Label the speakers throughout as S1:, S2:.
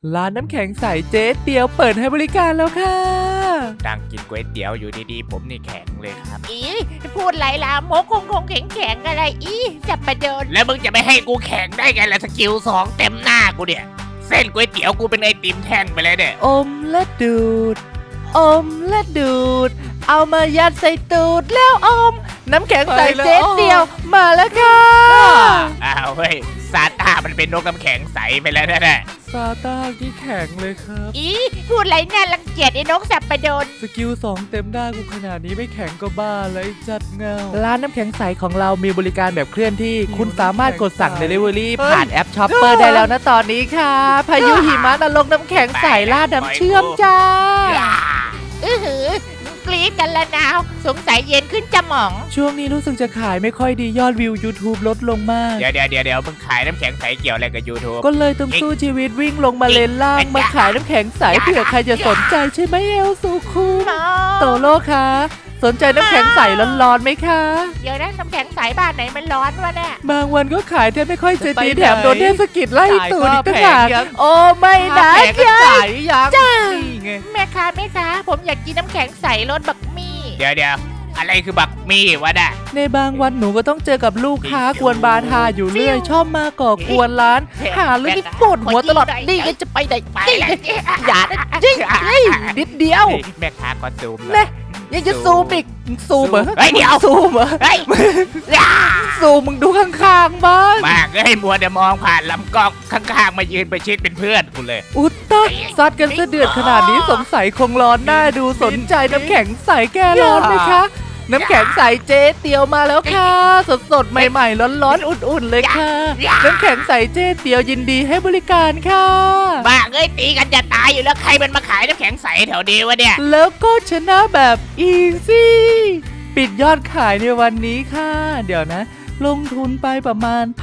S1: ร้านน้ำแข็งใสเจ๊เตียวเปิดให้บริการแล้วค่ะ
S2: นั่งกินก๋วยเตี๋ยวอยู่ดีๆผมนี่แข็งเลยครับ
S3: อีพูดไรล่ะโมกคงแข็งอะไรอีจับประเดิน
S2: แล้วมึงจะไม่ให้กูแข็งได้ไงล่ะสกิล2เต็มหน้ากูเนี่ยเส้นก๋วยเตี๋ยวกูเป็นไอติมแท่งไปเลยเนี่ย
S1: อมและดูดอมและดูดเอามายัดใส่ตูดแล้วอมน้ำแข็งใสเจ๊เตียวมาแล้วค่ะ
S2: อ้าวเฮ้ยซาต้ามันเป็นนกน้ำแข็งใสไปแล้วนะ
S1: ซาต้าที่แข็งเลยครับ
S3: อีพูดไรน่ารังเกียจไอ้นกสับประเดิน
S1: สกิล2เต็มได้กูขนาดนี้ไม่แข็งก็บ้าเลยจัดเงาร้านน้ำแข็งใสของเรามีบริการแบบเคลื่อนที่คุณสามารถกดสั่ง Delivery ผ่านแอป Shopper ได้แล้วนะตอนนี้ค่ะ พายุหิมะนรกน้ำแข็งใสลาดน้ำเชื่อมจ้า
S3: หือกรี๊ดกันละนาวสงสัยเย็นขึ้นจะหมอง
S1: ช่วงนี้รู้สึกจะขายไม่ค่อยดียอดวิว YouTube ลดลงมาก
S2: เดี๋ยวมึงขายน้ำแข็งใสเกี่ยวอะไรกับ YouTube
S1: ก็เลยต้องสู้ชีวิตวิ่งลงมาเลนล่างมาขายน้ำแข็งใสเผื่อใครจะสนใจใช่ไหมเอลสุคุมโตโลคะสนใจน้ำแข็งใสร้อนๆไหมคะ
S3: เดี๋ยวนะน้ำแข็งใสบ้านไหนมันร้อนวะเนี่ย
S1: บางวันก็ขายแทบไม่ค่อยจะดี
S4: จะไปไหน
S1: แถมโดนเทศกิจไล่ตูดอีกต่างหาก
S4: จ่ายค่าแผงยัง
S1: โอ้ไม่นะ
S4: แผงก็
S1: จ๊ะ
S4: จ่ายยังนี่ไง
S3: แม่ค้าผมอยากกินน้ำแข็งใสรสบักมี่
S2: เดี๋ยวอะไรคือบักมี่วะน่ะ
S1: ในบางวันหนูก็ต้องเจอกับลูกค้ากวนบาทาอยู่เรื่อยชอบมาก่อกวนร้าน หาเรื่องที่ปวดหัวตลอดนี่ก็จะไปไหน
S2: ไปแล้ว
S1: อย่านะจริงนิดเดียว
S2: แม่ค้าก็ซูม
S1: แน่ยังจะซูมอีกซูมเหรอ
S2: เฮ้ยเดี๋ยว
S1: ซูมเหรอ
S2: เฮ้ย
S1: ซูมมึงดูข้างๆบ้าง
S2: มากเลยมัวแต่มองผ่านลำกล้องข้างๆมายืนไปชิดเป็นเพื่อนกูเลย
S1: อุตตะซัดกันซะเดือดขนาดนี้สงสัยคงร้อนหน้าดูสนใจน้ำแข็งใสแก้ร้อนไหมคะ น้ำแข็งใสเจ๊เตียวมาแล้วค่ะ สดๆ ใหม่ๆ ร้อนๆ อุ่นๆ เลยค่ะ น้ำแข็งใสเจ๊เตียวยินดีให้บริการค่ะ
S2: บ้าเอ้ยตีกันจะตายอยู่แล้วใครมันมาขายน้ำแข็งใสแถวนี้วะเนี่ย
S1: แล้วก็ชนะแบบอีซี่ปิดยอดขายในวันนี้ค่ะ เดี๋ยวนะ ลงทุนไปประมาณ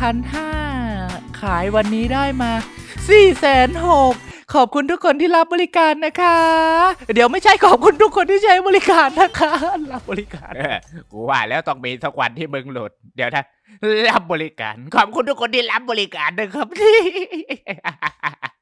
S1: 1,500ขายวันนี้ได้มา460,000ขอบคุณทุกคนที่รับบริการนะคะ เดี๋ยวไม่ใช่ขอบคุณทุกคนที่ใช้บริการนะคะ รับบริการ
S2: กูว่าแล้วต้องมีสักวันที่มึงหลุด เดี๋ยวนะรับบริการ ขอบคุณทุกคนที่รับบริการนะครับ